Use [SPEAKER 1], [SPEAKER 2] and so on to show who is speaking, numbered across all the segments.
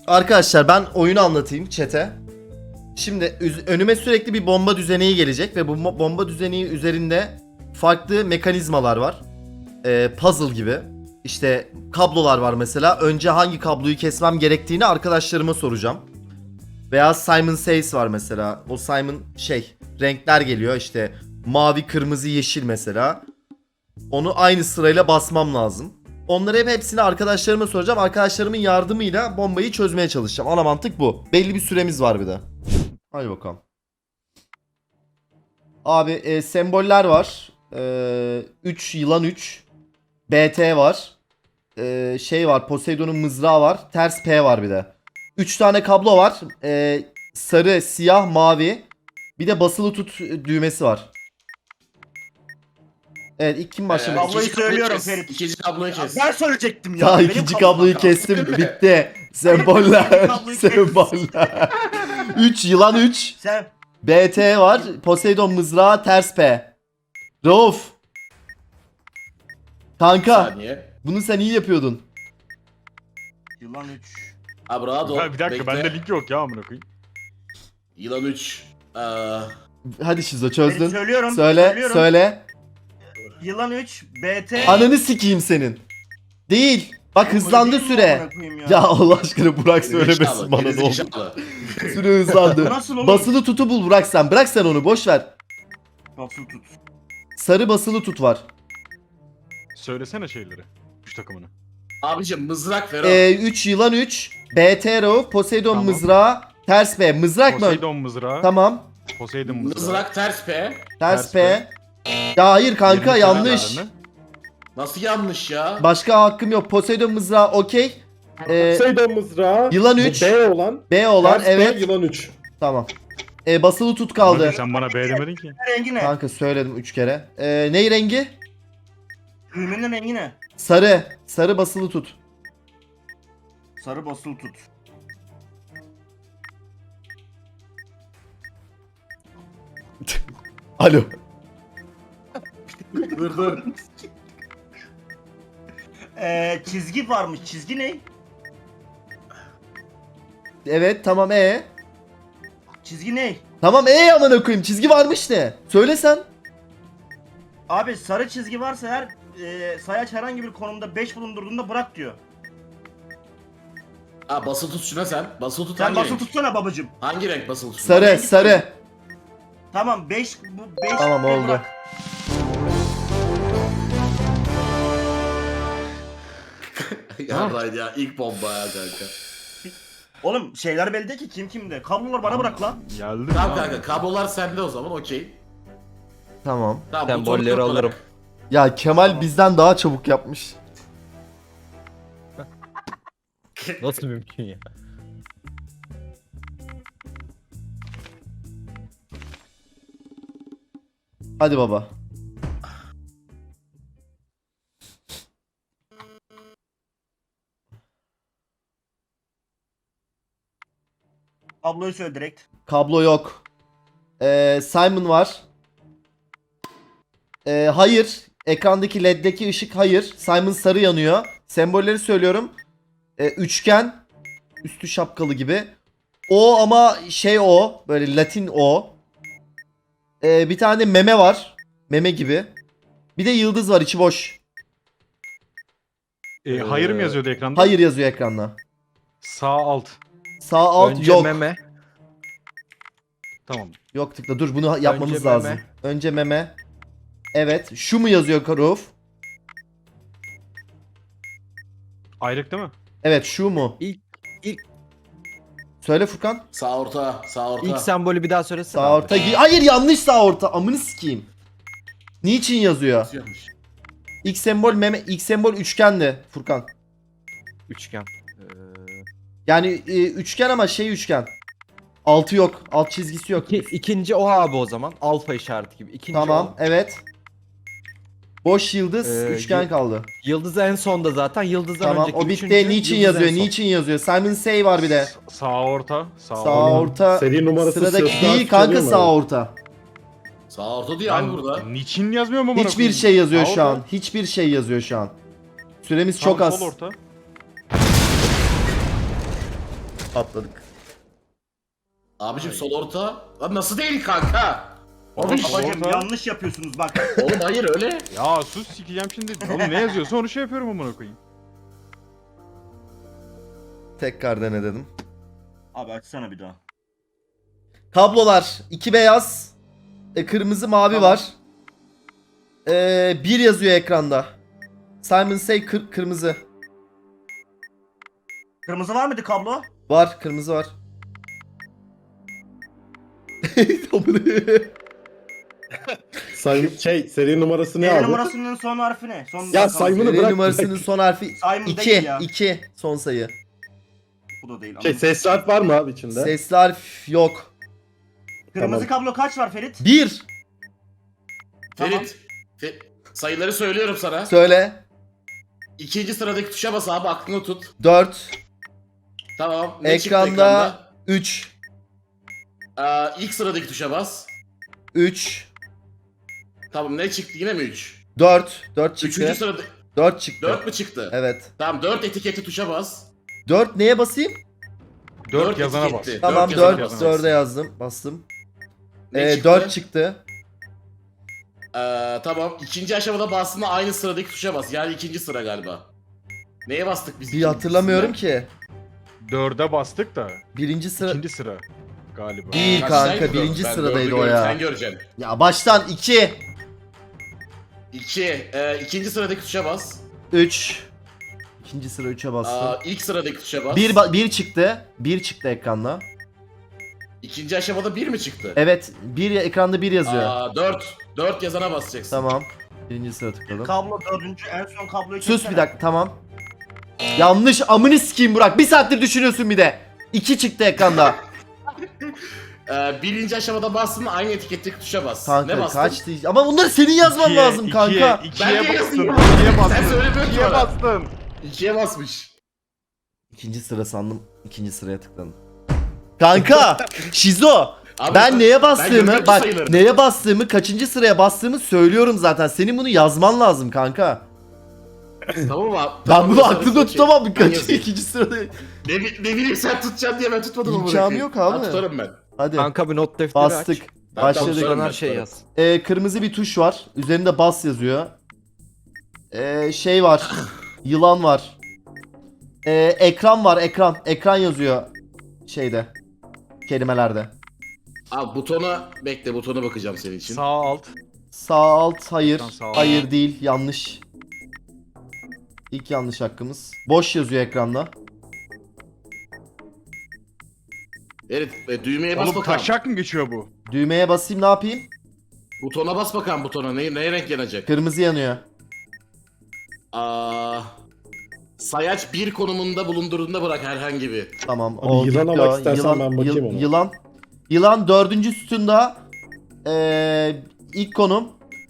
[SPEAKER 1] Arkadaşlar ben oyunu anlatayım chat'e. Şimdi önüme sürekli bir bomba düzeneği gelecek ve bu bomba düzeneği üzerinde farklı mekanizmalar var. Puzzle gibi. İşte kablolar var mesela. Önce hangi kabloyu kesmem gerektiğini arkadaşlarıma soracağım. Veya Simon Says var mesela. O Simon renkler geliyor işte mavi, kırmızı, yeşil mesela. Onu aynı sırayla basmam lazım. Onları hepsini arkadaşlarıma soracağım. Arkadaşlarımın yardımıyla bombayı çözmeye çalışacağım. Ana mantık bu. Belli bir süremiz var bir de. Hadi bakalım. Abi semboller var. 3 yılan 3. BT var. Var. Poseidon'un mızrağı var. Ters P var bir de. 3 tane kablo var. Sarı, siyah, mavi. Bir de basılı tut düğmesi var. Evet, ilk kim başlamak?
[SPEAKER 2] Kabloyu söylüyorum
[SPEAKER 3] kes.
[SPEAKER 2] Ferit.
[SPEAKER 3] İkinci kabloyu kes.
[SPEAKER 2] Ben söyleyecektim ya.
[SPEAKER 1] Daha
[SPEAKER 2] Benim
[SPEAKER 1] ikinci
[SPEAKER 2] kablom
[SPEAKER 1] kabloyu
[SPEAKER 2] kaldı.
[SPEAKER 1] kestim. Bitti. Semboller.
[SPEAKER 2] Kabloyu kes.
[SPEAKER 1] Semboller. 3 yılan 3.
[SPEAKER 2] Sen
[SPEAKER 1] BT var. Poseidon mızrağı ters P. Rauf. Kanka.
[SPEAKER 3] Saniye.
[SPEAKER 1] Bunu sen iyi yapıyordun.
[SPEAKER 2] yılan 3.
[SPEAKER 3] Abi rahat ol.
[SPEAKER 4] Bir dakika
[SPEAKER 3] Bekle.
[SPEAKER 4] bende link yok ya amına koyayım.
[SPEAKER 3] Yılan 3.
[SPEAKER 1] Hadi Şizo çözdün.
[SPEAKER 2] Söylüyorum.
[SPEAKER 1] Söyle.
[SPEAKER 2] söylüyorum.
[SPEAKER 1] Söyle.
[SPEAKER 2] Yılan 3 BT.
[SPEAKER 1] Ananı sikeyim senin. Değil. Bak hızlandı
[SPEAKER 2] Değil mi
[SPEAKER 1] süre.
[SPEAKER 2] amına koyayım ya?
[SPEAKER 1] Ya Allah aşkına Burak söylemesin bana ne oldu. Süre hızlandı.
[SPEAKER 2] Nasıl oğlum?
[SPEAKER 1] Basılı tutu bul Burak sen. Bırak sen onu boş ver.
[SPEAKER 2] Basılı tut.
[SPEAKER 1] Sarı basılı tut var.
[SPEAKER 4] Söylesene şeyleri. Üç takımını.
[SPEAKER 3] Abicim mızrak ver o.
[SPEAKER 1] 3 yılan 3. BT Rauf. Poseidon
[SPEAKER 4] Tamam.
[SPEAKER 1] mızrağı. Ters B. Mızrak mı?
[SPEAKER 4] Poseidon mızrağı.
[SPEAKER 1] Tamam.
[SPEAKER 4] Poseidon mızrağı.
[SPEAKER 3] Mızrak ters P.
[SPEAKER 1] Ters
[SPEAKER 4] Ters
[SPEAKER 1] P. Ya hayır kanka
[SPEAKER 4] 20
[SPEAKER 1] yanlış.
[SPEAKER 4] kenarlarını.
[SPEAKER 3] Nasıl yanlış ya?
[SPEAKER 1] Başka hakkım yok. Poseidon mızrağı okey.
[SPEAKER 5] Poseidon mızrağı.
[SPEAKER 1] Yılan
[SPEAKER 5] bu
[SPEAKER 1] 3.
[SPEAKER 5] B olan.
[SPEAKER 1] B olan
[SPEAKER 5] ters B,
[SPEAKER 1] evet.
[SPEAKER 5] Yılan 3.
[SPEAKER 1] Tamam. Basılı tut kaldı.
[SPEAKER 4] Hadi sen bana B demedin ki.
[SPEAKER 2] Rengi ne?
[SPEAKER 1] Kanka söyledim 3 kere. Ney rengi?
[SPEAKER 2] Düğmenin rengi ne?
[SPEAKER 1] Sarı. Sarı basılı tut.
[SPEAKER 2] Sarı basılı tut.
[SPEAKER 1] Alo.
[SPEAKER 3] Dur.
[SPEAKER 2] Çizgi varmış. Çizgi ne?
[SPEAKER 1] Evet tamam
[SPEAKER 2] Çizgi ne?
[SPEAKER 1] Tamam amına koyayım çizgi varmış ne? Söyle sen.
[SPEAKER 2] Abi sarı çizgi varsa eğer sayaç herhangi bir konumda 5 bulundurduğunda bırak diyor.
[SPEAKER 3] Ha basılı tut şuna sen. Basılı tut
[SPEAKER 2] Sen
[SPEAKER 3] hangi
[SPEAKER 2] basılı
[SPEAKER 3] renk?
[SPEAKER 2] tutsana babacım.
[SPEAKER 3] Hangi renk basılı tut?
[SPEAKER 1] Sarı sarı.
[SPEAKER 2] Tamam 5 bu 5
[SPEAKER 1] Tamam, oldu.
[SPEAKER 3] Yarraydı ya ilk bomba ya kanka.
[SPEAKER 2] Oğlum şeyler belli değil ki kim kimde. Kablolar bana bırak lan.
[SPEAKER 4] Geldi.
[SPEAKER 3] Tamam kanka kablolar sende o zaman okey.
[SPEAKER 1] Tamam.
[SPEAKER 3] Tamam
[SPEAKER 6] Sembolleri
[SPEAKER 3] butonu
[SPEAKER 6] alırım.
[SPEAKER 3] tut
[SPEAKER 1] Ya Kemal bizden daha çabuk yapmış.
[SPEAKER 6] Nasıl mümkün ya?
[SPEAKER 1] Hadi baba.
[SPEAKER 2] Kabloyu söyle direkt.
[SPEAKER 1] Kablo yok. Simon var. Hayır. Ekrandaki LED'deki ışık hayır. Simon sarı yanıyor. Sembolleri söylüyorum. Üçgen. Üstü şapkalı gibi. O ama o. Böyle Latin O. Bir tane meme var. Meme gibi. Bir de yıldız var içi boş.
[SPEAKER 4] Hayır mı yazıyordu ekranda?
[SPEAKER 1] Hayır yazıyor ekranda.
[SPEAKER 4] Sağ alt.
[SPEAKER 1] Sağ alt
[SPEAKER 6] Önce
[SPEAKER 1] yok.
[SPEAKER 6] meme.
[SPEAKER 4] Tamam.
[SPEAKER 1] Yok tıkla dur bunu yapmamız
[SPEAKER 6] Önce
[SPEAKER 1] lazım.
[SPEAKER 6] meme.
[SPEAKER 1] Önce meme. Evet. Şu mu yazıyor Karuf?
[SPEAKER 4] Ayrık değil mi?
[SPEAKER 1] Evet şu mu?
[SPEAKER 6] İlk
[SPEAKER 1] Söyle Furkan.
[SPEAKER 3] Sağ orta, sağ orta.
[SPEAKER 6] ilk sembolü bir daha söylesene.
[SPEAKER 1] Sağ orta. Hayır yanlış sağ orta. Amını sikeyim. Niçin yazıyor?
[SPEAKER 3] Nasıl yanlış?
[SPEAKER 1] İlk sembol meme. İlk sembol üçgendi Furkan.
[SPEAKER 6] Üçgen.
[SPEAKER 1] Yani üçgen ama üçgen. Altı yok. Alt çizgisi yok.
[SPEAKER 6] İkinci o abi o zaman. Alfa işareti gibi. İkinci
[SPEAKER 1] Tamam.
[SPEAKER 6] o.
[SPEAKER 1] Evet. Boş yıldız. Üçgen
[SPEAKER 6] y-
[SPEAKER 1] kaldı.
[SPEAKER 6] Yıldız en sonda zaten. Yıldızdan
[SPEAKER 1] Tamam.
[SPEAKER 6] önceki
[SPEAKER 1] O bitti.
[SPEAKER 6] üçüncü,
[SPEAKER 1] Niçin
[SPEAKER 6] yıldız en
[SPEAKER 1] yazıyor?
[SPEAKER 6] son.
[SPEAKER 1] Niçin yazıyor? Simon Say var bir de.
[SPEAKER 4] Sağ orta. Sağ
[SPEAKER 1] Sağ orta.
[SPEAKER 5] Seri numarası
[SPEAKER 1] Sıradaki
[SPEAKER 5] sırasına
[SPEAKER 1] değil kanka
[SPEAKER 5] söyleyeyim mi
[SPEAKER 1] sağ
[SPEAKER 5] abi?
[SPEAKER 1] orta.
[SPEAKER 3] Sağ orta diyor abi burada.
[SPEAKER 4] Niçin yazmıyor mu bana?
[SPEAKER 1] Hiçbir şey yazıyor şu an. Hiçbir şey yazıyor şu an. Süremiz çok az.
[SPEAKER 4] Sol orta.
[SPEAKER 1] Atladık.
[SPEAKER 3] Abicim sol orta. Lan nasıl değil kanka?
[SPEAKER 4] Oğlum,
[SPEAKER 2] Babacım
[SPEAKER 4] orta-
[SPEAKER 2] yanlış yapıyorsunuz bak.
[SPEAKER 3] Oğlum hayır öyle.
[SPEAKER 4] Ya sus sikeceğim şimdi. Oğlum ne yazıyorsa onu şey yapıyorum amına koyayım.
[SPEAKER 1] Tekrar dene dedim.
[SPEAKER 2] Abi açsana bir daha.
[SPEAKER 1] Kablolar 2 beyaz, kırmızı mavi
[SPEAKER 2] Tamam.
[SPEAKER 1] var. 1 yazıyor ekranda. Simon Say kırmızı.
[SPEAKER 2] Kırmızı var mıydı kablo?
[SPEAKER 1] Var, kırmızı var.
[SPEAKER 5] Seri numarası ne
[SPEAKER 2] Seri
[SPEAKER 5] abi?
[SPEAKER 2] numarasının son harfi ne? Son
[SPEAKER 5] Ya
[SPEAKER 2] rakamı.
[SPEAKER 5] Simon'u
[SPEAKER 1] Seri
[SPEAKER 5] bırak.
[SPEAKER 1] numarasının son harfi
[SPEAKER 2] Simon
[SPEAKER 1] 2.
[SPEAKER 2] değil ya.
[SPEAKER 1] 2 son sayı.
[SPEAKER 2] Bu da değil.
[SPEAKER 5] Sesli harf var mı abi içinde?
[SPEAKER 1] Sesli harf yok.
[SPEAKER 2] Kırmızı kablo kaç var Ferit?
[SPEAKER 1] 1.
[SPEAKER 2] Tamam.
[SPEAKER 3] Ferit. Sayıları söylüyorum sana.
[SPEAKER 1] Söyle.
[SPEAKER 3] İkinci sıradaki tuşa bas abi aklını tut.
[SPEAKER 1] 4.
[SPEAKER 3] Tamam. Ne çıktı
[SPEAKER 1] Ekranda
[SPEAKER 3] ekranda?
[SPEAKER 1] 3.
[SPEAKER 3] İlk sıradaki tuşa bas.
[SPEAKER 1] 3.
[SPEAKER 3] Tamam ne çıktı yine mi 3?
[SPEAKER 1] 4. 4
[SPEAKER 3] Üçüncü
[SPEAKER 1] çıktı.
[SPEAKER 3] sırada
[SPEAKER 1] 4 çıktı.
[SPEAKER 3] 4 mü çıktı?
[SPEAKER 1] Evet.
[SPEAKER 3] Tamam 4 etiketi tuşa bas.
[SPEAKER 1] 4 neye basayım?
[SPEAKER 4] 4 yazana bas.
[SPEAKER 3] etiketli.
[SPEAKER 1] Tamam
[SPEAKER 3] Dört yazana
[SPEAKER 1] 4.
[SPEAKER 3] bas.
[SPEAKER 1] 4'e yazdım. Bastım.
[SPEAKER 3] Ne çıktı?
[SPEAKER 1] 4 çıktı.
[SPEAKER 3] Tamam ikinci aşamada bastığında aynı sıradaki tuşa bas. Yani ikinci sıra galiba. Neye bastık biz?
[SPEAKER 1] Bir hatırlamıyorum
[SPEAKER 3] ikincisinden?
[SPEAKER 1] ki.
[SPEAKER 4] 4'e bastık da.
[SPEAKER 1] Birinci sıra
[SPEAKER 4] İkinci sıra galiba.
[SPEAKER 1] değil
[SPEAKER 3] Kaçtaydı
[SPEAKER 1] kanka.
[SPEAKER 3] bu?
[SPEAKER 1] Birinci
[SPEAKER 3] Ben
[SPEAKER 1] sıradaydı
[SPEAKER 3] dördü
[SPEAKER 1] o
[SPEAKER 3] görüyorum,
[SPEAKER 1] ya.
[SPEAKER 3] Sen göreceksin.
[SPEAKER 1] Ya baştan 2.
[SPEAKER 3] 2. İkinci sıradaki tuşa bas.
[SPEAKER 1] 3. İkinci sıra 3'e bastım.
[SPEAKER 3] İlk sıradaki tuşa bas.
[SPEAKER 1] 1 çıktı. 1 çıktı ekranda.
[SPEAKER 3] İkinci aşamada 1 mi çıktı?
[SPEAKER 1] Evet, ekranda 1 yazıyor.
[SPEAKER 3] 4. 4 yazana basacaksın.
[SPEAKER 1] Tamam. Birinci sıra tıkladım.
[SPEAKER 2] Kablo dördüncü en son kabloyu
[SPEAKER 1] Sus
[SPEAKER 2] çeksene.
[SPEAKER 1] bir dakika, tamam. Yanlış, amını sikeyim Burak. Bir saattir düşünüyorsun bir de. 2 çıktı ekranda.
[SPEAKER 3] Birinci aşamada bastığında aynı etiketteki tuşa bas. ne
[SPEAKER 1] Kanka
[SPEAKER 3] bastın?
[SPEAKER 1] kaçtı? Ama bunları senin yazman lazım kanka.
[SPEAKER 4] 2'ye
[SPEAKER 3] Ben de
[SPEAKER 4] bastın.
[SPEAKER 3] yazayım.
[SPEAKER 4] 2'ye bastın.
[SPEAKER 3] Sen söylemiyorsun ki
[SPEAKER 4] 2'ye
[SPEAKER 3] bana.
[SPEAKER 4] bastın.
[SPEAKER 3] 2'ye basmış.
[SPEAKER 1] İkinci sıra sandım. İkinci sıraya tıkladım. Kanka, Şizo.
[SPEAKER 3] Abi,
[SPEAKER 1] Ben neye
[SPEAKER 3] görüyorum
[SPEAKER 1] bastığımı,
[SPEAKER 3] ki
[SPEAKER 1] bak
[SPEAKER 3] sayıları.
[SPEAKER 1] neye bastığımı, kaçıncı sıraya bastığımı söylüyorum zaten. Senin bunu yazman lazım kanka.
[SPEAKER 3] Tamam abi.
[SPEAKER 1] Ben
[SPEAKER 3] Tamam,
[SPEAKER 1] bunu
[SPEAKER 3] yazarız,
[SPEAKER 1] aklımda
[SPEAKER 3] okey.
[SPEAKER 1] tutamam.
[SPEAKER 3] Ben
[SPEAKER 1] Kaçıncı
[SPEAKER 3] yazayım.
[SPEAKER 1] ikinci sırada.
[SPEAKER 3] Ne bileyim sen tutacaksın diye ben tutmadım ama.
[SPEAKER 1] İmkanı yok abi.
[SPEAKER 3] Ben tutarım ben.
[SPEAKER 1] Hadi
[SPEAKER 6] Kanka bir not defteri
[SPEAKER 1] bastık.
[SPEAKER 6] aç.
[SPEAKER 3] Ben
[SPEAKER 1] Başladık.
[SPEAKER 3] tutarım
[SPEAKER 6] Her
[SPEAKER 3] ben,
[SPEAKER 6] şey
[SPEAKER 3] tutarım.
[SPEAKER 6] yaz.
[SPEAKER 1] Kırmızı bir tuş var. Üzerinde bas yazıyor. Şey var. Yılan var. Ekran var. Ekran yazıyor şeyde. Kelimelerde.
[SPEAKER 3] Abi butona bekle butona bakacağım senin için.
[SPEAKER 4] Sağ alt.
[SPEAKER 1] Sağ alt hayır.
[SPEAKER 4] Ekran sağ alt.
[SPEAKER 1] Hayır değil. Yanlış. İlk yanlış hakkımız. Boş yazıyor ekranda.
[SPEAKER 3] Evet düğmeye bas
[SPEAKER 4] Oğlum
[SPEAKER 3] bakalım.
[SPEAKER 4] taşak mı geçiyor bu?
[SPEAKER 1] Düğmeye basayım, ne yapayım?
[SPEAKER 3] Butona bas bakalım butona. Neye renk yanacak?
[SPEAKER 1] Kırmızı yanıyor.
[SPEAKER 3] Sayaç 1 konumunda bulundurduğunda bırak herhangi bir.
[SPEAKER 1] Tamam.
[SPEAKER 5] Abi yılana
[SPEAKER 1] gitti
[SPEAKER 5] bak
[SPEAKER 1] o.
[SPEAKER 5] istersen ben bakayım ona.
[SPEAKER 1] Yılan. Yılan 4. sütunda ilk konum.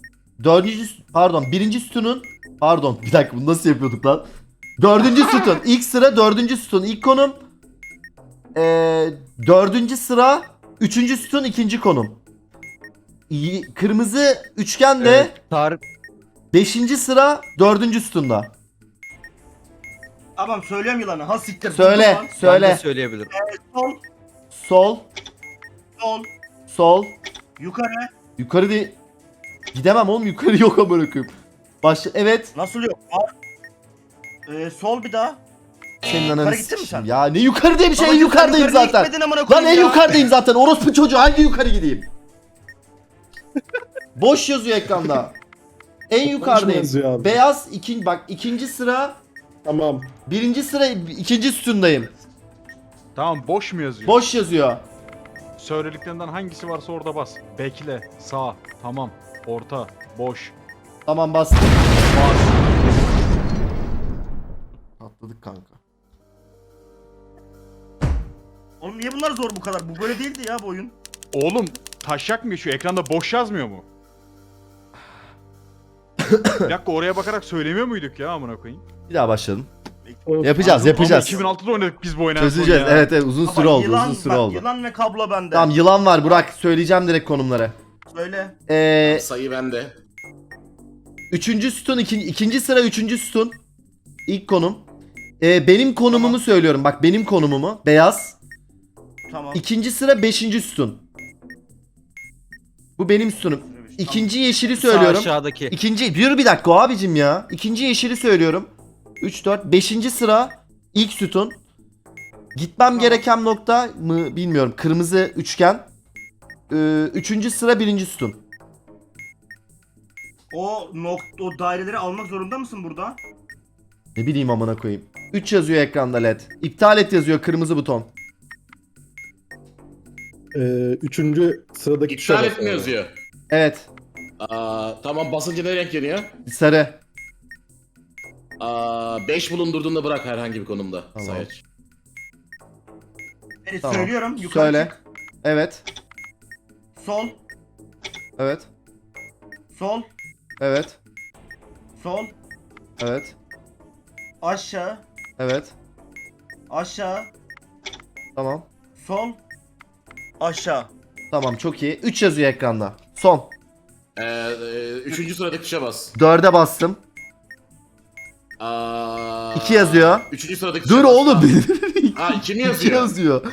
[SPEAKER 1] 1. sütunun bir dakika, bunu nasıl yapıyorduk lan? 4. sütun. İlk sıra 4. sütun ilk konum. 4. sıra 3. sütun ikinci konum. Kırmızı üçgen de
[SPEAKER 6] Tarık
[SPEAKER 1] 5. sıra 4. sütunda.
[SPEAKER 2] Tamam söylüyorum yılanı. Ha siktir.
[SPEAKER 1] Söyle,
[SPEAKER 2] Buldum lan.
[SPEAKER 6] ben de
[SPEAKER 1] söyle.
[SPEAKER 6] söyleyebilirim.
[SPEAKER 2] Sol,
[SPEAKER 1] Sol,
[SPEAKER 2] sol,
[SPEAKER 1] sol.
[SPEAKER 2] yukarı.
[SPEAKER 1] Yukarı değil. Gidemem oğlum, yukarı yok amına koyayım. Evet.
[SPEAKER 2] Nasıl yok? Var. Sol bir daha.
[SPEAKER 1] Senin ananı
[SPEAKER 2] Yukarı gittin mi
[SPEAKER 1] sikeyim.
[SPEAKER 2] sen?
[SPEAKER 1] Ya ne yukarı diye bir şey, en
[SPEAKER 2] Babacım, sen
[SPEAKER 1] yukarıdayım
[SPEAKER 2] yukarıya
[SPEAKER 1] zaten.
[SPEAKER 2] gitmedin amına
[SPEAKER 1] Lan
[SPEAKER 2] koyayım
[SPEAKER 1] en
[SPEAKER 2] ya.
[SPEAKER 1] yukarıdayım zaten. Orospu çocuğu, hangi yukarı gideyim? Boş yazıyor ekranda. En yukarıdayım.
[SPEAKER 5] yazıyor abi?
[SPEAKER 1] Beyaz ikinci sıra,
[SPEAKER 5] Tamam.
[SPEAKER 1] 1. sıra 2. sütundayım.
[SPEAKER 4] Tamam boş mu yazıyor?
[SPEAKER 1] Boş yazıyor.
[SPEAKER 4] Söylediklerinden hangisi varsa orada bas. Bekle. Sağ. Tamam. Orta. Boş.
[SPEAKER 1] Tamam bastım.
[SPEAKER 4] Bas.
[SPEAKER 1] Atladık kanka.
[SPEAKER 2] Oğlum niye bunlar zor bu kadar? Bu böyle değildi ya bu oyun.
[SPEAKER 4] Oğlum taşak mı geçiyor? Ekranda boş yazmıyor mu? Bir dakika, oraya bakarak söylemiyor muyduk ya amına koyayım?
[SPEAKER 1] Bir daha başladım.
[SPEAKER 5] Of.
[SPEAKER 1] Yapacağız.
[SPEAKER 4] Ama 2006'da oynadık biz bu oyunu en son
[SPEAKER 1] Çözeceğiz.
[SPEAKER 4] ya.
[SPEAKER 1] Evet uzun süre
[SPEAKER 2] Ama
[SPEAKER 1] oldu.
[SPEAKER 2] yılan,
[SPEAKER 1] Uzun süre
[SPEAKER 2] bak,
[SPEAKER 1] oldu.
[SPEAKER 2] Yılan ve kablo bende.
[SPEAKER 1] Tamam, yılan var Burak. Söyleyeceğim direkt konumları.
[SPEAKER 2] Söyle.
[SPEAKER 3] Sayı bende.
[SPEAKER 1] 3. sütun ikinci sıra 3. sütun. İlk konum. Benim konumumu söylüyorum. Bak benim konumumu. Beyaz.
[SPEAKER 2] Tamam.
[SPEAKER 1] İkinci sıra 5. sütun. Bu benim sütunum. İkinci yeşili söylüyorum.
[SPEAKER 6] Sağ aşağıdaki.
[SPEAKER 1] İkinci bir dakika abicim ya. İkinci yeşili söylüyorum. 3 4 5. sıra ilk sütun. Gitmem gereken nokta mı bilmiyorum. Kırmızı üçgen. 3. sıra 1. sütun.
[SPEAKER 2] O daireleri almak zorunda mısın burada?
[SPEAKER 1] Ne bileyim amına koyayım. 3 yazıyor ekranda led. İptal et yazıyor kırmızı buton.
[SPEAKER 5] Üçüncü sıradaki tuşa
[SPEAKER 3] İptal
[SPEAKER 5] bas
[SPEAKER 3] et mi
[SPEAKER 5] abi.
[SPEAKER 3] yazıyor?
[SPEAKER 1] Evet.
[SPEAKER 3] Tamam, basınca ne renk yanıyor?
[SPEAKER 1] Sarı.
[SPEAKER 3] 5 bulundurduğunda bırak herhangi bir konumda.
[SPEAKER 1] Tamam.
[SPEAKER 3] Sayaç.
[SPEAKER 2] Evet,
[SPEAKER 1] Tamam.
[SPEAKER 2] söylüyorum. Yukarı
[SPEAKER 1] Söyle.
[SPEAKER 2] çık.
[SPEAKER 1] Evet.
[SPEAKER 2] Sol.
[SPEAKER 1] Evet.
[SPEAKER 2] Sol.
[SPEAKER 1] Evet.
[SPEAKER 2] Sol.
[SPEAKER 1] Evet.
[SPEAKER 2] Aşağı.
[SPEAKER 1] Evet.
[SPEAKER 2] Aşağı.
[SPEAKER 1] Tamam.
[SPEAKER 2] Sol. Aşağı.
[SPEAKER 1] Tamam çok iyi. 3 yazıyor ekranda. Son.
[SPEAKER 3] 3. sıradaki tuşa bas.
[SPEAKER 1] 4'e bastım. 2 yazıyor.
[SPEAKER 3] 3. sıradaki tuşa
[SPEAKER 1] Dur
[SPEAKER 3] bas.
[SPEAKER 1] oğlum.
[SPEAKER 3] 2 mi
[SPEAKER 1] 2
[SPEAKER 3] yazıyor?
[SPEAKER 1] yazıyor.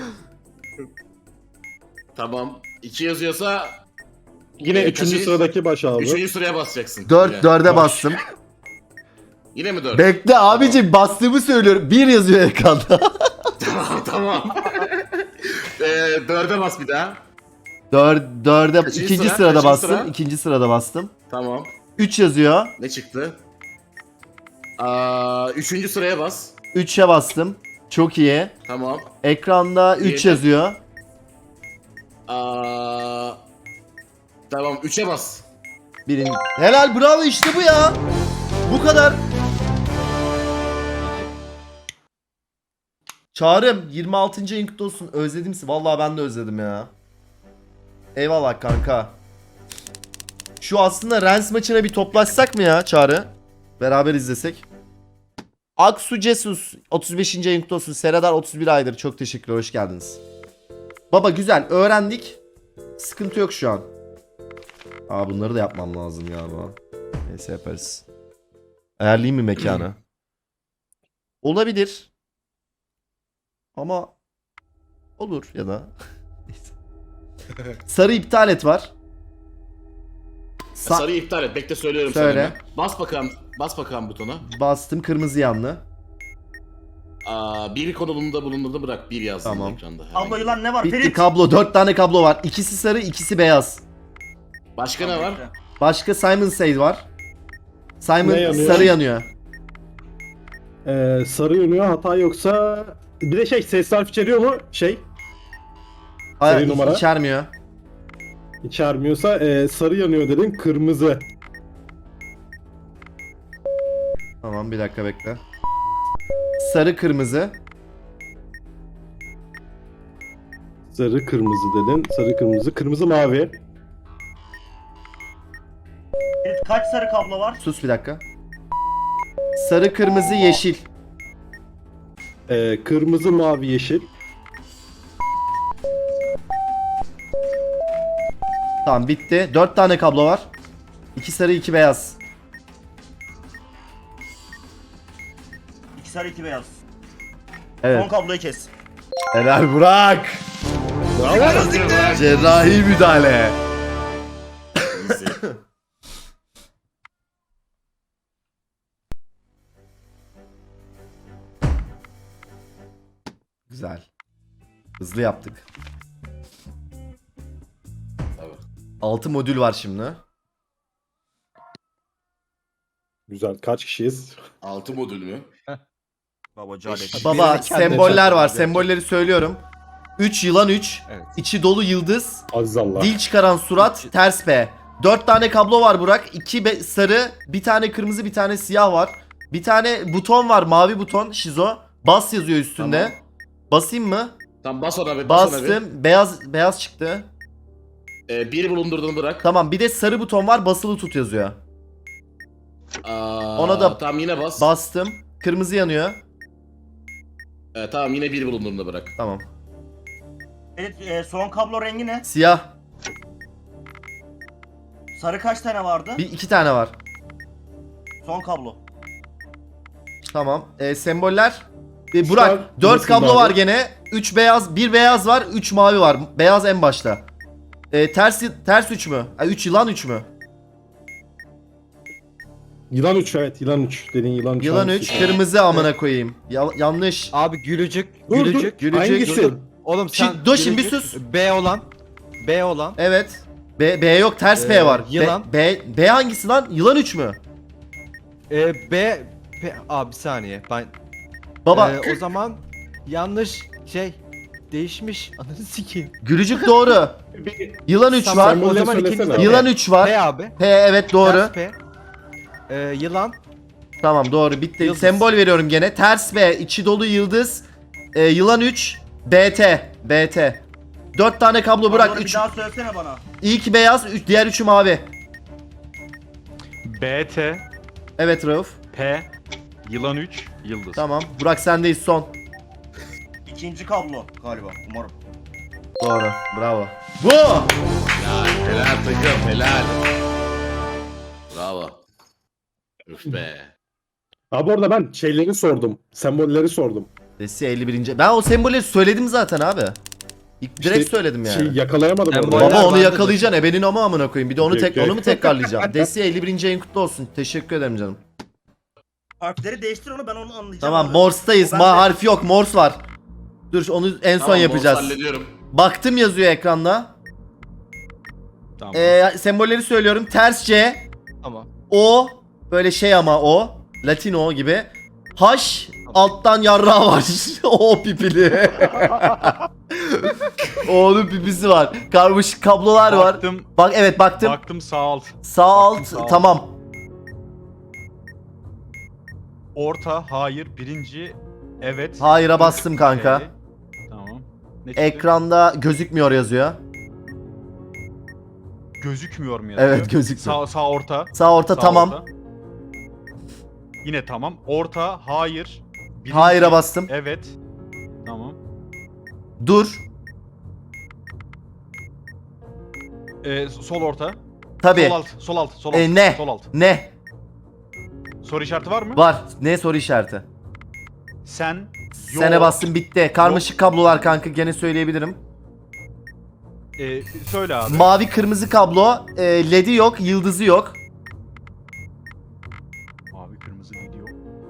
[SPEAKER 3] Tamam. 2 yazıyorsa
[SPEAKER 5] Yine üçüncü sıradaki baş abi.
[SPEAKER 3] 3. sıraya basacaksın.
[SPEAKER 1] 4
[SPEAKER 3] Yine.
[SPEAKER 1] 4'e bastım.
[SPEAKER 3] Yine mi 4?
[SPEAKER 1] Bekle abicim bastığımı söylüyorum. 1 yazıyor ekranda.
[SPEAKER 3] Tamam. 4'e bas bir daha.
[SPEAKER 1] 4'e
[SPEAKER 3] Kaçıncı
[SPEAKER 1] ikinci
[SPEAKER 3] sıra?
[SPEAKER 1] sırada
[SPEAKER 3] Kaçıncı
[SPEAKER 1] bastım.
[SPEAKER 3] sıra?
[SPEAKER 1] İkinci sırada bastım.
[SPEAKER 3] Tamam.
[SPEAKER 1] 3 yazıyor.
[SPEAKER 3] Ne çıktı? 3. sıraya bas.
[SPEAKER 1] 3'e bastım. Çok iyi.
[SPEAKER 3] Tamam.
[SPEAKER 1] Ekranda 3
[SPEAKER 3] İyi.
[SPEAKER 1] yazıyor.
[SPEAKER 3] Tamam, 3'e bas.
[SPEAKER 1] Helal bravo işte bu ya. Bu kadar. Çağrım 26. ayın kutlu olsun. Özledim sizi. Vallahi ben de özledim ya. Eyvallah kanka. Şu aslında Rens maçına bir toplaşsak mı ya Çağrı? Beraber izlesek. Aksu Cesus 35. ayın kutlu olsun. Seradar 31 aydır. Çok teşekkürler. Hoş geldiniz. Baba güzel. Öğrendik. Sıkıntı yok şu an. Bunları da yapmam lazım galiba. Neyse yaparız. Ayarlayayım mı mekanı? Olabilir. Ama olur ya da. Neyse. Sarı iptal et var.
[SPEAKER 3] Sarıyı iptal et. Bekle, söylüyorum
[SPEAKER 1] Söyle.
[SPEAKER 3] sana. Bas bakalım butona.
[SPEAKER 1] Bastım kırmızı yanlı.
[SPEAKER 3] Bir konumunda bulunduğunda bırak. 1 yazdım
[SPEAKER 1] Tamam.
[SPEAKER 3] ekranda.
[SPEAKER 2] Abla yılan ne var?
[SPEAKER 1] Bitti
[SPEAKER 2] Ferit.
[SPEAKER 1] kablo. 4 tane kablo var. İkisi sarı, ikisi beyaz.
[SPEAKER 3] Başka ne var?
[SPEAKER 1] Başka Simon Says var. Simon
[SPEAKER 5] Ne yanıyor?
[SPEAKER 1] sarı yanıyor.
[SPEAKER 5] Sarı yanıyor, hata yoksa... Bir de ses harf içeriyor mu?
[SPEAKER 1] Hayır,
[SPEAKER 5] numara.
[SPEAKER 1] içermiyor.
[SPEAKER 5] İçermiyorsa sarı yanıyor dedin, kırmızı.
[SPEAKER 1] Tamam bir dakika bekle. Sarı kırmızı.
[SPEAKER 5] Sarı kırmızı dedin, sarı kırmızı, kırmızı mavi.
[SPEAKER 2] Ferit, kaç sarı kablo var?
[SPEAKER 1] Sus bir dakika. Sarı kırmızı yeşil.
[SPEAKER 5] Kırmızı mavi yeşil.
[SPEAKER 1] Tamam bitti. 4 tane kablo var. 2 sarı 2 beyaz.
[SPEAKER 2] 2 sarı 2 beyaz.
[SPEAKER 1] Evet.
[SPEAKER 2] Son kabloyu kes.
[SPEAKER 1] Helal Burak. Cerrahi müdahale. Güzel. Hızlı yaptık.
[SPEAKER 3] Tabii.
[SPEAKER 1] 6 modül var şimdi.
[SPEAKER 5] Güzel, kaç kişiyiz?
[SPEAKER 3] 6 modül mü?
[SPEAKER 2] Baba calet.
[SPEAKER 1] Baba
[SPEAKER 6] Birini kendine
[SPEAKER 1] semboller
[SPEAKER 6] çarptı,
[SPEAKER 1] var.
[SPEAKER 6] gerçekten.
[SPEAKER 1] Sembolleri söylüyorum. 3 yılan 3.
[SPEAKER 6] Evet.
[SPEAKER 1] İçi dolu yıldız.
[SPEAKER 5] Aziz Allah.
[SPEAKER 1] Dil çıkaran surat. Ters P. 4 tane kablo var Burak. 2 sarı. Bir tane kırmızı bir tane siyah var. Bir tane buton var. Mavi buton. Şizo. Bas yazıyor üstünde.
[SPEAKER 3] Tamam.
[SPEAKER 1] Basayım mı?
[SPEAKER 3] Tamam, bas ona bir. Bas ona bir.
[SPEAKER 1] Bastım. Beyaz çıktı.
[SPEAKER 3] 1 bulundurduğunu bırak.
[SPEAKER 1] Tamam bir de sarı buton var. Basılı tut yazıyor. Ona da
[SPEAKER 3] Tamam, yine bas.
[SPEAKER 1] Bastım. Kırmızı yanıyor.
[SPEAKER 3] Tamam, yine 1 bulundurduğunda bırak.
[SPEAKER 1] Tamam.
[SPEAKER 2] Ferit, son kablo rengi ne?
[SPEAKER 1] Siyah.
[SPEAKER 2] Sarı kaç tane vardı?
[SPEAKER 1] 2 tane var.
[SPEAKER 2] Son kablo.
[SPEAKER 1] Tamam. Semboller. Burak
[SPEAKER 5] an
[SPEAKER 1] 4
[SPEAKER 5] nasıl
[SPEAKER 1] kablo
[SPEAKER 5] abi?
[SPEAKER 1] var gene. 3 beyaz, 1 beyaz var, 3 mavi var. Beyaz en başta. Ters 3 mü? 3 yılan 3 mü?
[SPEAKER 5] Yılan 3 evet yılan 3. Dediğin yılan 3.
[SPEAKER 1] Yılan 3, kırmızı amına koyayım. Yanlış.
[SPEAKER 6] Abi gülücük.
[SPEAKER 5] Dur,
[SPEAKER 6] Gülücük.
[SPEAKER 1] Gülücük.
[SPEAKER 5] Hangisi?
[SPEAKER 6] Dur. Oğlum sen
[SPEAKER 1] Dur şimdi bir
[SPEAKER 6] gülücük,
[SPEAKER 1] sus.
[SPEAKER 6] B olan. B olan.
[SPEAKER 1] Evet. B yok, ters P var.
[SPEAKER 6] Yılan.
[SPEAKER 1] B hangisi lan? Yılan 3 mü?
[SPEAKER 6] B. Abi bir saniye. Ben
[SPEAKER 1] Baba
[SPEAKER 6] o zaman yanlış şey değişmiş. Ananı sikeyim.
[SPEAKER 1] gülücük doğru. Yılan 3
[SPEAKER 6] Tamam,
[SPEAKER 1] var.
[SPEAKER 6] o
[SPEAKER 5] Sembolleri
[SPEAKER 6] zaman
[SPEAKER 5] söylesene
[SPEAKER 6] ikinci de
[SPEAKER 5] abi.
[SPEAKER 1] Yılan 3 var.
[SPEAKER 6] P abi.
[SPEAKER 1] P evet doğru.
[SPEAKER 6] Ters P. Yılan.
[SPEAKER 1] Tamam doğru bitti.
[SPEAKER 6] Yıldız.
[SPEAKER 1] Sembol veriyorum gene. Ters B, içi dolu yıldız. Yılan 3, BT. 4 tane kablo bırak.
[SPEAKER 2] Kabloları
[SPEAKER 1] 3.
[SPEAKER 2] bir daha söylesene bana.
[SPEAKER 1] İlk beyaz, diğer 3'ü mavi.
[SPEAKER 4] BT,
[SPEAKER 1] Evet Rauf.
[SPEAKER 4] P, yılan 3, yıldız.
[SPEAKER 1] Tamam. Burak sendeyiz son.
[SPEAKER 2] İkinci kablo galiba umarım.
[SPEAKER 1] Doğru. Bravo. Bu.
[SPEAKER 3] Ya helal takım helal. Bravo. Üf be.
[SPEAKER 5] Abi orada ben şeyleri sordum. Sembolleri sordum.
[SPEAKER 1] Desi 51. Ben o sembolleri söyledim zaten abi. Direkt
[SPEAKER 5] İşte
[SPEAKER 1] söyledim yani.
[SPEAKER 5] Şey yakalayamadım
[SPEAKER 6] Semboller
[SPEAKER 5] orada.
[SPEAKER 1] Baba onu
[SPEAKER 6] vardı
[SPEAKER 1] yakalayacaksın. Ebenin ama amına koyayım. Bir de onu
[SPEAKER 5] Okey.
[SPEAKER 1] onu mu tekrarlayacağım? Desi 51. ayın kutlu olsun. Teşekkür ederim canım.
[SPEAKER 2] Harfleri değiştir onu ben onu anlayacağım.
[SPEAKER 1] Tamam
[SPEAKER 2] abi.
[SPEAKER 1] Morse'tayız.
[SPEAKER 2] O bende.
[SPEAKER 1] Harfi yok. Morse var. Dur onu en son
[SPEAKER 3] Tamam,
[SPEAKER 1] yapacağız.
[SPEAKER 3] Morse hallediyorum.
[SPEAKER 1] Baktım yazıyor ekranda.
[SPEAKER 4] Tamam.
[SPEAKER 1] Sembolleri söylüyorum. Ters C,
[SPEAKER 6] Tamam.
[SPEAKER 1] O, böyle şey ama O, Latino gibi. H, alttan yarrağı var. O pipili. O'nun pipisi var. Karmaşık kablolar var.
[SPEAKER 4] Baktım,
[SPEAKER 1] Bak evet baktım.
[SPEAKER 4] baktım sağ alt.
[SPEAKER 1] Sağ alt
[SPEAKER 4] sağ alt.
[SPEAKER 1] tamam.
[SPEAKER 4] Orta, hayır, birinci, evet.
[SPEAKER 1] Hayır'a bastım kanka.
[SPEAKER 4] P. Tamam. Ne çıktı?
[SPEAKER 1] Ekranda gözükmüyor yazıyor.
[SPEAKER 4] Gözükmüyor mu yazıyor?
[SPEAKER 1] Evet gözükmüyor.
[SPEAKER 4] Sağ orta.
[SPEAKER 1] Sağ orta
[SPEAKER 4] Sağ
[SPEAKER 1] tamam.
[SPEAKER 4] orta. Yine tamam. Orta, hayır. Birinci,
[SPEAKER 1] Hayır'a bastım.
[SPEAKER 4] Evet. Tamam.
[SPEAKER 1] Dur.
[SPEAKER 4] Sol orta.
[SPEAKER 1] Tabii.
[SPEAKER 4] Sol alt, sol alt, sol alt.
[SPEAKER 1] Ne?
[SPEAKER 4] Sol alt.
[SPEAKER 1] Ne?
[SPEAKER 4] Soru işareti var mı?
[SPEAKER 1] Var. Ne soru işareti?
[SPEAKER 4] Sen,
[SPEAKER 1] Sene bastım bitti. Karmaşık kablolar kanka gene söyleyebilirim.
[SPEAKER 4] söyle abi.
[SPEAKER 1] Mavi kırmızı kablo. LED'i yok, yıldızı yok.
[SPEAKER 4] Mavi, kırmızı gidiyor.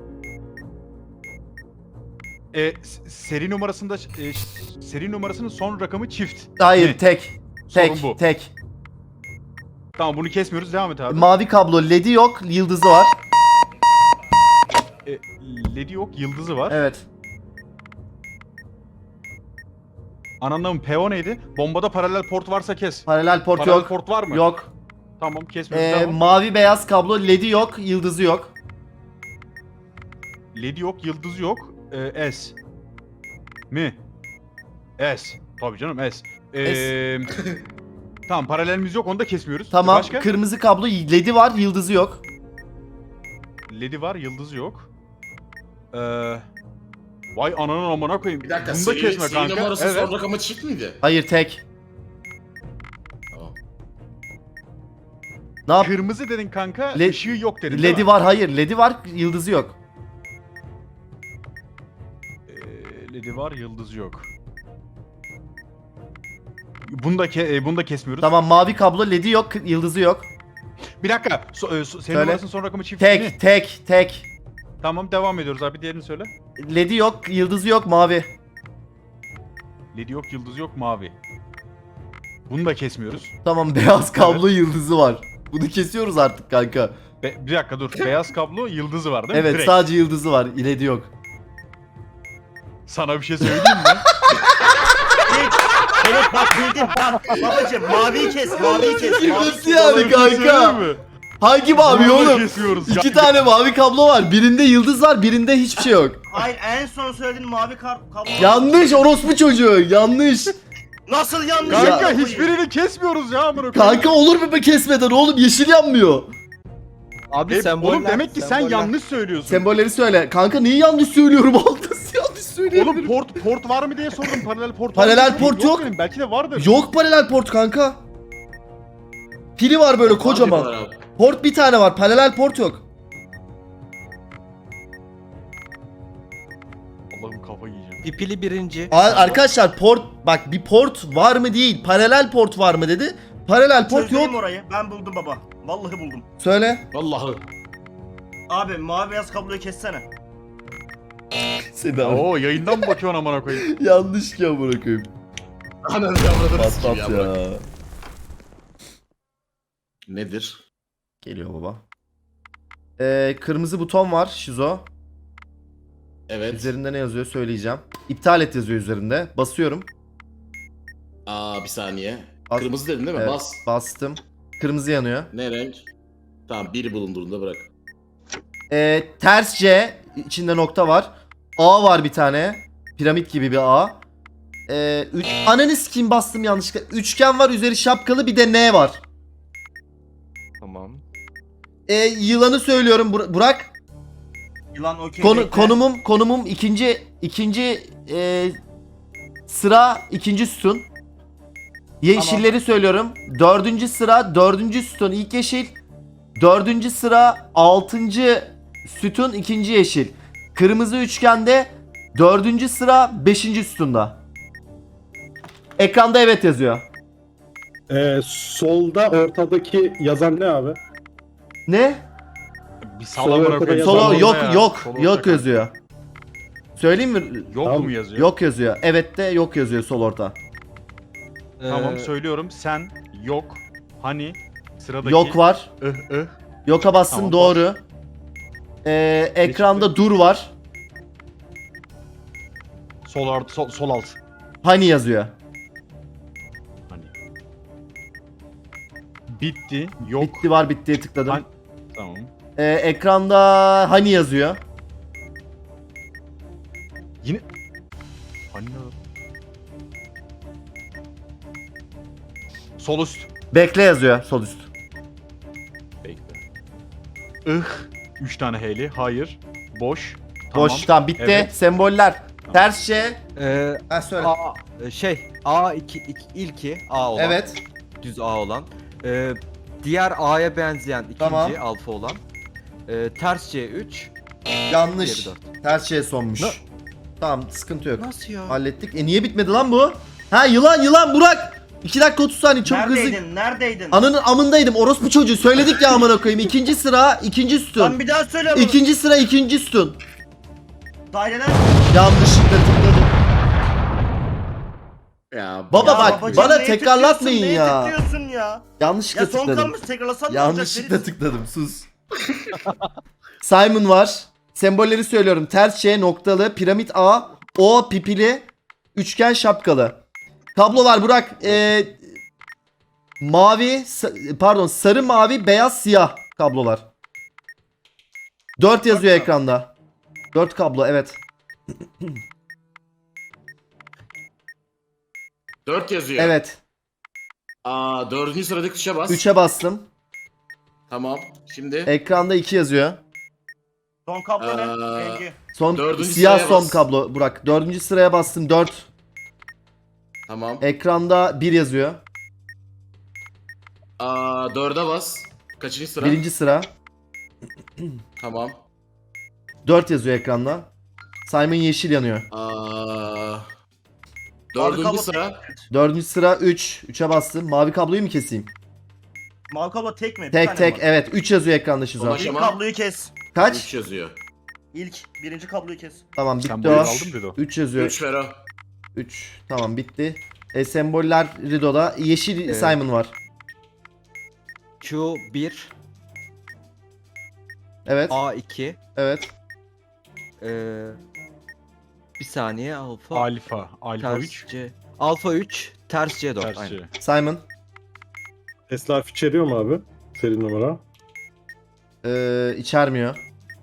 [SPEAKER 4] Seri numarasında seri numarasının son rakamı çift.
[SPEAKER 1] Hayır
[SPEAKER 4] Ne?
[SPEAKER 1] tek.
[SPEAKER 4] Sorun
[SPEAKER 1] Tek,
[SPEAKER 4] bu.
[SPEAKER 1] tek.
[SPEAKER 4] Tamam bunu kesmiyoruz. Devam et abi.
[SPEAKER 1] Mavi kablo, LED'i yok, yıldızı var.
[SPEAKER 4] LED'i yok, yıldızı var.
[SPEAKER 1] Evet.
[SPEAKER 4] Anlamı PO neydi? Bombada paralel port varsa kes.
[SPEAKER 1] Paralel port
[SPEAKER 4] Paralel
[SPEAKER 1] yok.
[SPEAKER 4] port var mı?
[SPEAKER 1] Yok.
[SPEAKER 4] Tamam kesmiyoruz. Devam.
[SPEAKER 1] Mavi beyaz kablo, LED'i yok, yıldızı yok.
[SPEAKER 4] LED'i yok, yıldızı yok. S. Mi? S. Tabii canım S. Tamam paralelimiz yok onu da kesmiyoruz.
[SPEAKER 1] Tamam.
[SPEAKER 4] Başka?
[SPEAKER 1] Kırmızı kablo, LED'i var, yıldızı yok.
[SPEAKER 4] LED'i var, yıldızı yok. Vay ananın amına koyayım.
[SPEAKER 3] Bir dakika
[SPEAKER 4] Bunu da kesme
[SPEAKER 3] seri
[SPEAKER 4] kanka.
[SPEAKER 3] numarası
[SPEAKER 4] Evet.
[SPEAKER 3] son rakamı çift miydi?
[SPEAKER 1] Hayır tek.
[SPEAKER 3] Tamam.
[SPEAKER 1] Ne yap?
[SPEAKER 4] Kırmızı dedin kanka,
[SPEAKER 1] Le-
[SPEAKER 4] ışığı yok dedin değil
[SPEAKER 1] LED'i
[SPEAKER 4] mi?
[SPEAKER 1] var, hayır. LED'i var, yıldızı yok.
[SPEAKER 4] LED'i var, yıldızı yok. Bunu da kesmiyoruz.
[SPEAKER 1] Tamam mavi kablo, LED'i yok, yıldızı yok.
[SPEAKER 4] Bir dakika. Senin
[SPEAKER 1] Söyle.
[SPEAKER 4] numarasının son rakamı çift mi?
[SPEAKER 1] Tek.
[SPEAKER 4] Tamam devam ediyoruz abi. Diğerini söyle.
[SPEAKER 1] LED'i yok, yıldızı yok, mavi.
[SPEAKER 4] LED'i yok, yıldızı yok, mavi. Bunu da kesmiyoruz.
[SPEAKER 1] Tamam beyaz kablo, yıldızı var. Bunu kesiyoruz artık kanka.
[SPEAKER 4] Bir dakika dur. Beyaz kablo, yıldızı var değil mi?
[SPEAKER 1] Evet
[SPEAKER 4] Direkt.
[SPEAKER 1] sadece yıldızı var, LED'i yok.
[SPEAKER 4] Sana bir şey söyleyeyim mi?
[SPEAKER 2] Evet bak bildin bak babacım maviyi kes maviyi kes. maviyi
[SPEAKER 1] Nasıl
[SPEAKER 2] kes.
[SPEAKER 1] yani
[SPEAKER 4] Sana bir şey
[SPEAKER 1] kanka?
[SPEAKER 4] söyleyeyim mi?
[SPEAKER 1] Hangi mavi
[SPEAKER 4] Bunu da
[SPEAKER 1] oğlum?
[SPEAKER 4] kesiyoruz.
[SPEAKER 1] İki tane mavi kablo var. Birinde yıldız var, birinde hiçbir şey yok.
[SPEAKER 2] Hayır en son söylediğin mavi kablo.
[SPEAKER 1] Yanlış orospu çocuğu. Yanlış.
[SPEAKER 2] Nasıl yanlış?
[SPEAKER 4] Kanka
[SPEAKER 2] Ya.
[SPEAKER 4] hiçbirini kesmiyoruz ya amına koyayım.
[SPEAKER 1] Kanka olur mu be kesmeden oğlum? Yeşil yanmıyor.
[SPEAKER 6] Abi semboller.
[SPEAKER 4] Oğlum demek ki sen
[SPEAKER 6] semboller.
[SPEAKER 4] yanlış söylüyorsun.
[SPEAKER 1] Sembolleri söyle. Kanka neyi yanlış söylüyorum? Altası yanlış söylüyorum.
[SPEAKER 4] Oğlum port var mı diye sordum. Paralel port
[SPEAKER 1] Paralel
[SPEAKER 4] var mı?
[SPEAKER 1] port yok.
[SPEAKER 4] Benim. Belki de vardır.
[SPEAKER 1] Yok paralel port kanka. Pili var böyle kocaman.
[SPEAKER 3] Hadi bana.
[SPEAKER 1] Port bir tane var. Paralel port yok.
[SPEAKER 4] Allah'ım
[SPEAKER 6] Pipili birinci.
[SPEAKER 1] Arkadaşlar port bak, bir port var mı değil. Paralel port var mı dedi. Paralel port
[SPEAKER 2] Çözeyim
[SPEAKER 1] yok.
[SPEAKER 2] orayı. Ben buldum baba. Vallahi buldum.
[SPEAKER 1] Söyle.
[SPEAKER 3] Vallahi.
[SPEAKER 2] Abi mavi beyaz kabloyu kessene.
[SPEAKER 1] Seni
[SPEAKER 4] Oo yayından mı bakıyorsun amına koyayım?
[SPEAKER 1] yanlış ki amına koyayım.
[SPEAKER 3] Ananı yavradını sikeyim
[SPEAKER 1] Patlat
[SPEAKER 3] ya. bırak.
[SPEAKER 1] ya.
[SPEAKER 3] Nedir?
[SPEAKER 1] Geliyor baba. Kırmızı buton var Şizo.
[SPEAKER 3] Evet.
[SPEAKER 1] Üzerinde ne yazıyor söyleyeceğim. İptal et yazıyor üzerinde. Basıyorum.
[SPEAKER 3] Bir saniye.
[SPEAKER 1] Bas-
[SPEAKER 3] Kırmızı dedin değil mi?
[SPEAKER 1] Evet,
[SPEAKER 3] Bas.
[SPEAKER 1] bastım. Kırmızı yanıyor.
[SPEAKER 3] Ne renk? Tamam, biri bulunduğunda bırak.
[SPEAKER 1] Ters C, içinde nokta var. A var bir tane. Piramit gibi bir A. Ananı sikeyim, bastım yanlışlıkla. Üçgen var, üzeri şapkalı, bir de N var.
[SPEAKER 6] Tamam.
[SPEAKER 1] Yılanı söylüyorum Burak.
[SPEAKER 2] Yılan okey. bekle.
[SPEAKER 1] Konumum ikinci sıra, ikinci sütun. Yeşilleri söylüyorum. Dördüncü sıra, dördüncü sütun ilk yeşil. Dördüncü sıra, altıncı sütun ikinci yeşil. Kırmızı üçgende dördüncü sıra, beşinci sütunda. Ekranda evet yazıyor.
[SPEAKER 5] Solda ortadaki yazan ne abi?
[SPEAKER 1] Ne?
[SPEAKER 4] Bir sal amına koyayım.
[SPEAKER 1] Solo
[SPEAKER 5] Yazan
[SPEAKER 1] yok
[SPEAKER 4] orada ya.
[SPEAKER 1] yok
[SPEAKER 4] Solo
[SPEAKER 1] yok
[SPEAKER 4] orada
[SPEAKER 1] yazıyor. Söyleyeyim mi?
[SPEAKER 4] Yok
[SPEAKER 5] Tamam.
[SPEAKER 4] mu yazıyor?
[SPEAKER 1] Yok yazıyor. Evet de yok yazıyor sol orta.
[SPEAKER 4] Tamam
[SPEAKER 6] Ee,
[SPEAKER 4] söylüyorum. Sen yok. Hani sıradaki
[SPEAKER 1] Yok var.
[SPEAKER 4] ıh.
[SPEAKER 1] Yoka bassın,
[SPEAKER 4] Tamam,
[SPEAKER 1] doğru. Ekranda dur var.
[SPEAKER 4] Sol alt.
[SPEAKER 1] Hani yazıyor.
[SPEAKER 4] Hani. Bitti. Yok.
[SPEAKER 1] Bitti var, bittiye tıkladım.
[SPEAKER 4] Hani- Tamam.
[SPEAKER 1] Ekranda hani yazıyor.
[SPEAKER 4] Yine. Hani ne? Sol üst.
[SPEAKER 1] Bekle yazıyor sol üst.
[SPEAKER 4] Bekle. Ih. 3 tane heyli. Hayır. Boş.
[SPEAKER 1] Boş, tamam bitti.
[SPEAKER 4] Evet.
[SPEAKER 1] Semboller. Tersçe. Söyle.
[SPEAKER 6] ilki A olan.
[SPEAKER 1] Evet.
[SPEAKER 6] Düz A olan. Diğer A'ya benzeyen ikinci
[SPEAKER 1] Tamam.
[SPEAKER 6] alfa olan. Ters C 3.
[SPEAKER 1] Yanlış.
[SPEAKER 6] Diğeri
[SPEAKER 1] Tersçe sonmuş.
[SPEAKER 6] Ne?
[SPEAKER 1] Tamam, sıkıntı yok.
[SPEAKER 6] Nasıl ya?
[SPEAKER 1] Hallettik. Niye bitmedi lan bu? Ha, yılan Burak. 2 dakika 30 saniye çok hızlı.
[SPEAKER 2] Neredeydin?
[SPEAKER 1] Ananın amındaydım. Orospu çocuğu. Söyledik ya amına koyayım. İkinci sıra, ikinci
[SPEAKER 2] Lan
[SPEAKER 1] sütun.
[SPEAKER 2] bir daha söyle bunu.
[SPEAKER 1] İkinci sıra, ikinci sütun.
[SPEAKER 2] Daireler.
[SPEAKER 1] Yanlışlıkla tıkladım.
[SPEAKER 3] Ya
[SPEAKER 1] Baba
[SPEAKER 2] Ya
[SPEAKER 1] bak,
[SPEAKER 2] babacığım,
[SPEAKER 1] bana
[SPEAKER 2] neye
[SPEAKER 1] tekrarlatmayın
[SPEAKER 2] tıklıyorsun,
[SPEAKER 1] ya.
[SPEAKER 2] Neye tıklıyorsun ya?
[SPEAKER 1] Yanlışlıkla
[SPEAKER 2] Ya son
[SPEAKER 1] tıkladım.
[SPEAKER 2] kalmış tekrarlasan ne olacak?
[SPEAKER 1] Yanlışlıkla
[SPEAKER 2] Ferit?
[SPEAKER 1] tıkladım. Sus. Simon var. Sembolleri söylüyorum. Ters C, noktalı, piramit A, O, pipili, üçgen şapkalı. Tablolar Burak. Sarı, mavi, beyaz, siyah kablolar. 4 yazıyor ekranda. 4 kablo, evet.
[SPEAKER 3] 4 yazıyor.
[SPEAKER 1] Evet.
[SPEAKER 3] Dördüncü sıradaki tuşa bas.
[SPEAKER 1] 3'e bastım.
[SPEAKER 3] Tamam. Şimdi
[SPEAKER 1] Ekranda 2 yazıyor.
[SPEAKER 2] Son kablo ne?
[SPEAKER 3] Aa,
[SPEAKER 2] Rengi.
[SPEAKER 1] Son
[SPEAKER 3] Dördüncü
[SPEAKER 1] siyah
[SPEAKER 3] sıraya
[SPEAKER 1] son
[SPEAKER 3] bas.
[SPEAKER 1] kablo Burak. 4. sıraya bastım, 4.
[SPEAKER 3] tamam.
[SPEAKER 1] Ekranda 1 yazıyor.
[SPEAKER 3] 4'e bas. Kaçıncı sıra?
[SPEAKER 1] 1. sıra.
[SPEAKER 3] Tamam.
[SPEAKER 1] 4 yazıyor ekranda. Simon yeşil yanıyor.
[SPEAKER 3] Dördüncü
[SPEAKER 2] kablo-
[SPEAKER 3] sıra.
[SPEAKER 1] 4. sıra 3. 3'e bastım. Mavi kabloyu mu keseyim?
[SPEAKER 2] Mavi kablo tek mi? Bir
[SPEAKER 1] Tek
[SPEAKER 2] tane
[SPEAKER 1] tek,
[SPEAKER 2] mi var?
[SPEAKER 1] evet. 3 yazıyor ekranda Şizo.
[SPEAKER 3] Ulaş-
[SPEAKER 2] İlk
[SPEAKER 3] Ama-
[SPEAKER 2] kabloyu kes.
[SPEAKER 1] Kaç?
[SPEAKER 3] 3 yazıyor.
[SPEAKER 2] Birinci kabloyu kes.
[SPEAKER 1] Tamam, bitti
[SPEAKER 4] Sen
[SPEAKER 1] o.
[SPEAKER 4] buyur aldın Rido.
[SPEAKER 1] 3 yazıyor.
[SPEAKER 3] 3 ver o.
[SPEAKER 1] 3. Tamam, bitti. Semboller Rido'da. Yeşil
[SPEAKER 6] Evet.
[SPEAKER 1] Simon var.
[SPEAKER 6] Q 1.
[SPEAKER 1] Evet.
[SPEAKER 6] A 2.
[SPEAKER 1] Evet.
[SPEAKER 6] Bir saniye alfa.
[SPEAKER 4] Alfa. Alfa
[SPEAKER 6] Ters
[SPEAKER 4] 3.
[SPEAKER 6] C. Alfa 3. Ters C 4.
[SPEAKER 4] Ters
[SPEAKER 6] Aynen.
[SPEAKER 4] C.
[SPEAKER 1] Simon.
[SPEAKER 5] Tesla harf içeriyor mu abi? Seri numara.
[SPEAKER 1] İçermiyor.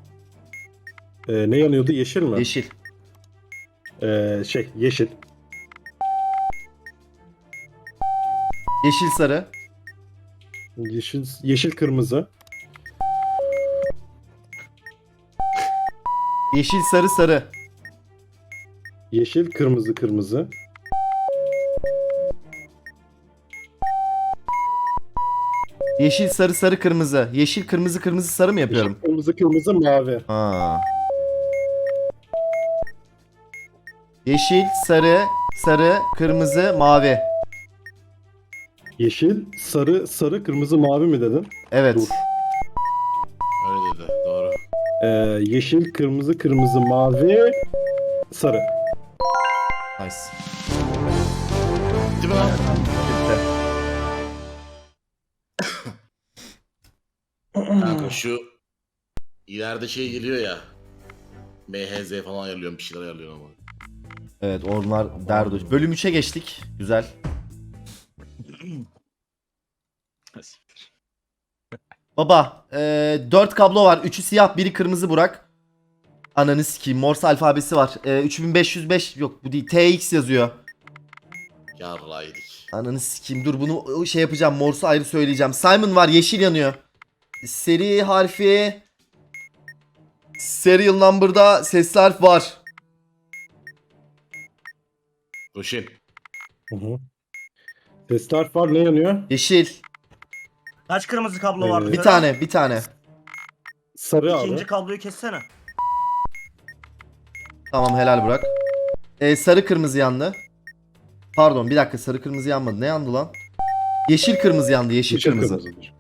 [SPEAKER 5] Ne yanıyordu? Yeşil mi?
[SPEAKER 1] Yeşil.
[SPEAKER 5] Yeşil.
[SPEAKER 1] Yeşil sarı.
[SPEAKER 5] Yeşil kırmızı.
[SPEAKER 1] Yeşil sarı sarı.
[SPEAKER 5] Yeşil kırmızı kırmızı.
[SPEAKER 1] Yeşil sarı sarı kırmızı. Yeşil kırmızı kırmızı sarı mı yapıyorum?
[SPEAKER 5] Yeşil kırmızı kırmızı mavi.
[SPEAKER 1] Ha. Yeşil, sarı, sarı, kırmızı, mavi.
[SPEAKER 5] Yeşil, sarı, kırmızı, mavi mi dedin?
[SPEAKER 1] Evet.
[SPEAKER 5] Dur.
[SPEAKER 3] Öyle dedi. Doğru.
[SPEAKER 5] Yeşil, kırmızı, mavi, sarı.
[SPEAKER 1] Nice.
[SPEAKER 3] Değil mi lan? Kanka şu ileride şey geliyor ya. MHZ falan ayarlıyorum, bir şeyler ayarlıyorum ama.
[SPEAKER 1] Evet onlar derdo. Bölüm 3'e geçtik. Güzel. Baba 4 kablo var. 3'ü siyah, biri kırmızı Burak. Ananı sikeyim. Morse alfabesi var. 3505 yok bu değil. TX yazıyor.
[SPEAKER 3] Yarraydık.
[SPEAKER 1] Ananı sikeyim. Dur bunu şey yapacağım. Morse'u ayrı söyleyeceğim. Simon var. Yeşil yanıyor. Seri harfi. Serial number'da sesli harf var.
[SPEAKER 3] Roşin.
[SPEAKER 5] Hı hı. Sesli harf var, ne yanıyor?
[SPEAKER 1] Yeşil.
[SPEAKER 2] Kaç kırmızı kablo vardı?
[SPEAKER 1] Bir
[SPEAKER 2] Söyle.
[SPEAKER 1] tane. Bir tane.
[SPEAKER 5] Sarı
[SPEAKER 2] İkinci
[SPEAKER 5] abi.
[SPEAKER 2] kabloyu kessene.
[SPEAKER 1] Tamam helal Burak. Sarı kırmızı yandı. Pardon bir dakika sarı kırmızı yanmadı. Ne yandı lan? Yeşil kırmızı yandı. Yeşil kırmızı.
[SPEAKER 5] kırmızıdır.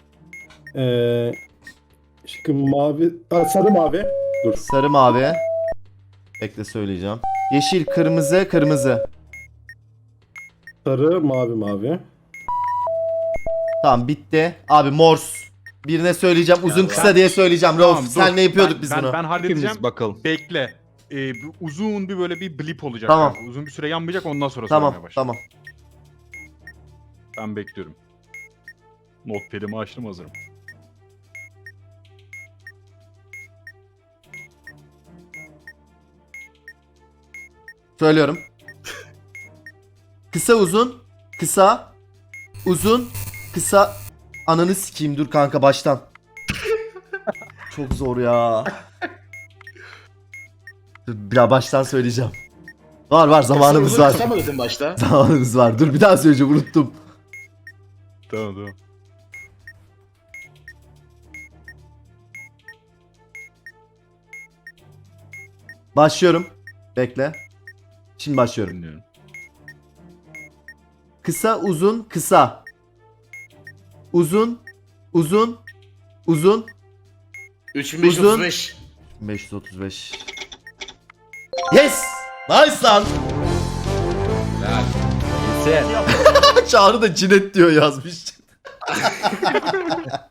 [SPEAKER 5] Şıkkı mavi, sarı mavi. Dur.
[SPEAKER 1] Sarı mavi. Bekle söyleyeceğim. Yeşil kırmızı kırmızı.
[SPEAKER 5] Sarı, mavi.
[SPEAKER 1] Tamam bitti. Abi Morse. Birine söyleyeceğim. Uzun kısa diye söyleyeceğim. Rauf
[SPEAKER 4] dur.
[SPEAKER 1] senle yapıyorduk biz bunu.
[SPEAKER 4] Ben halledeceğim.
[SPEAKER 6] Hepimiz bakalım.
[SPEAKER 4] Bekle. Uzun bir böyle bir blip olacak.
[SPEAKER 1] Tamam.
[SPEAKER 4] kanka. Uzun bir süre yanmayacak ondan sonra
[SPEAKER 1] Tamam
[SPEAKER 4] söylemeye başla.
[SPEAKER 1] tamam.
[SPEAKER 4] Ben bekliyorum. Notepad'imi açtım hazırım.
[SPEAKER 1] Söylüyorum. Kısa uzun. Kısa. Uzun. Kısa. Ananı sikeyim dur kanka baştan. Çok zor ya. Dur bir daha baştan söyleyeceğim. Var zamanımız var.
[SPEAKER 3] Kısa mı dedin başta?
[SPEAKER 1] Zamanımız var. Dur bir daha söyleyeceğim unuttum.
[SPEAKER 4] Tamam.
[SPEAKER 1] Başlıyorum. Bekle. Şimdi başlıyorum.
[SPEAKER 4] Dinliyorum.
[SPEAKER 1] Kısa uzun kısa. Uzun uzun uzun
[SPEAKER 3] 3535.
[SPEAKER 1] 535. Yes! Nice lan.
[SPEAKER 3] Helal.
[SPEAKER 6] Sen.
[SPEAKER 1] Çağrı da cinet diyor yazmış.